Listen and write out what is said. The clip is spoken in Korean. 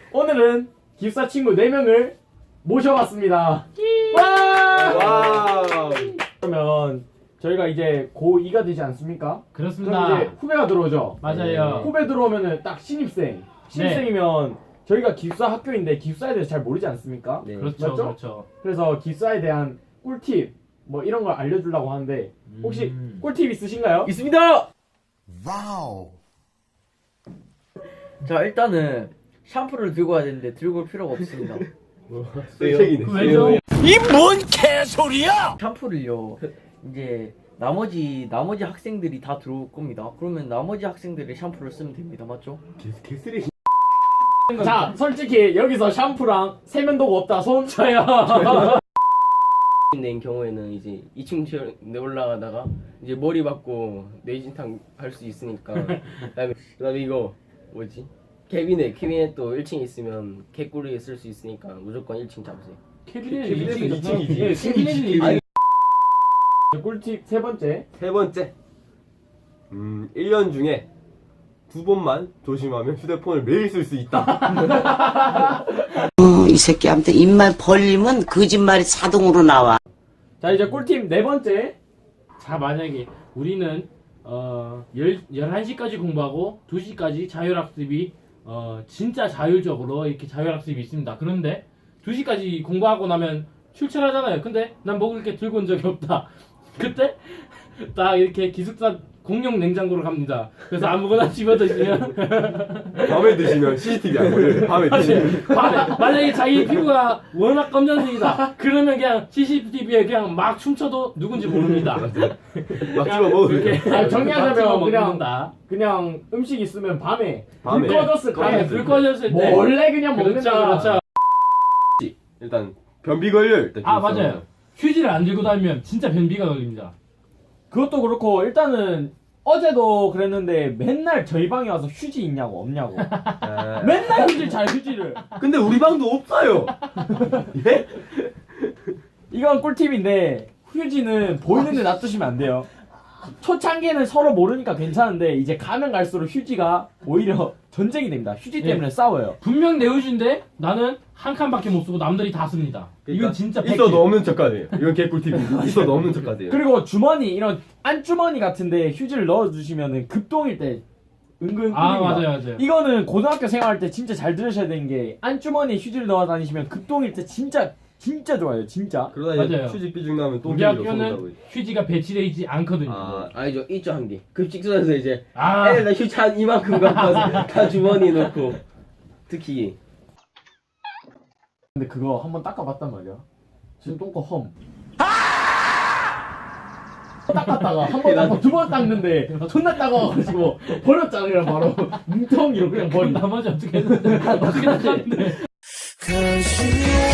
오늘은 기숙사 친구 4명을 모셔봤습니다. 와. 그러면 저희가 이제 고2가 되지 않습니까? 그렇습니다. 그럼 이제 후배가 들어오죠. 맞아요. 후배 들어오면은 딱 신입생. 신입생이면 저희가 기숙사 학교인데 기숙사에 대해서 잘 모르지 않습니까? 네. 그렇죠, 맞죠? 그렇죠. 그래서 기숙사에 대한 꿀팁 뭐 이런 걸 알려주려고 하는데 혹시 꿀팁 있으신가요? 있습니다. 와우. 자 일단은 샴푸를 들고 와야 되는데 들고 올 필요가 없습니다. 쓰레기네. 왜죠? 샴푸를요 이제 나머지 학생들이 다 들어올 겁니다. 그러면 나머지 학생들의 샴푸를 쓰면 됩니다. 맞죠? 개쓰레기. 자 솔직히 여기서 샴푸랑 세면도구 없다 손 쳐요. 낸 경우에는 이제 2층 올라가다가 이제 머리 받고 뇌진탕 할 수 있으니까 그다음에 이거 뭐지? 캐비넷 또 1층에 있으면 개꿀이 쓸 수 있으니까 무조건 1층 잡으세요. 캐비넷이 캐비넷은 2층이지. 예, 캐비넷이 2층. 꿀팁 세 번째. 세 번째. 1년 중에 2번만 조심하면 휴대폰을 매일 쓸 수 있다. 이 새끼한테 입만 벌리면 거짓말이 자동으로 나와. 자 이제 꿀팁 네 번째. 자, 만약에 우리는 11시까지 공부하고 2시까지 자율학습이 진짜 자율적으로 이렇게 자율학습이 있습니다. 그런데 2시까지 공부하고 나면 출출하잖아요. 근데 난 먹을 게 들고 온 적이 없다. 그때 딱 이렇게 기숙사 공용 냉장고로 갑니다. 그래서 아무거나 집어 드시면 밤에 드시면 CCTV 안 걸려요. 밤에 드시면. 만약에 자기 피부가 워낙 검정색이다. 그러면 그냥 CCTV에 그냥 막 춤춰도 누군지 모릅니다. 막 집어 먹으세요. 아, 정리하자면 그냥 먹는다. 그냥 음식 있으면 밤에 밤에. 불 꺼졌을 때 밤에 불 꺼졌을 때 몰래 그냥 먹는다. 그렇죠. 일단 변비 걸려요. 일단 아 기숙사는. 맞아요. 휴지를 안 들고 다니면 진짜 변비가 걸립니다. 그것도 그렇고 일단은 어제도 그랬는데 맨날 저희 방에 와서 휴지 있냐고 없냐고. 아, 맨날 휴지를. 근데 우리 방도 없어요. 예? 이건 꿀팁인데 휴지는 보이는 데 놔두시면 안 돼요. 초창기에는 서로 모르니까 괜찮은데 이제 가면 갈수록 휴지가 오히려 전쟁이 됩니다. 휴지 때문에 싸워요. 분명 내 휴지인데 나는 한 칸밖에 못 쓰고 남들이 다 씁니다. 이건 진짜 팩트. 있어도 없는 척하네요. 이건 개꿀팁입니다. 있어도 없는 척하세요. 그리고 주머니 이런 안주머니 같은데 휴지를 넣어주시면 급동일 때 은근 아 꿀입니다. 맞아요. 이거는 고등학교 생활할 때 진짜 잘 들으셔야 되는 게 안주머니에 휴지를 넣어 다니시면 급동일 때 진짜 좋아요. 진짜. 그러다 이제 맞아요. 휴지 삐죽 나면 또 우리 학교는 휴지가 배치되어 있지 않거든요. 아니죠. 있죠 한 개. 급식소에서 이제 아, 애들 휴지 한 이만큼 갖고 와서 다 주머니에 넣고 특히 근데 그거 한번 닦아봤단 말이야. 지금 똥꼬 험. 닦았다가 한 번 닦고 두 번 닦는데 존나 따가워가지고 버렸잖아 그냥 바로 뭉텅이로 그냥 버린. 나머지 어떻게 했는데 어떻게 닦았는데.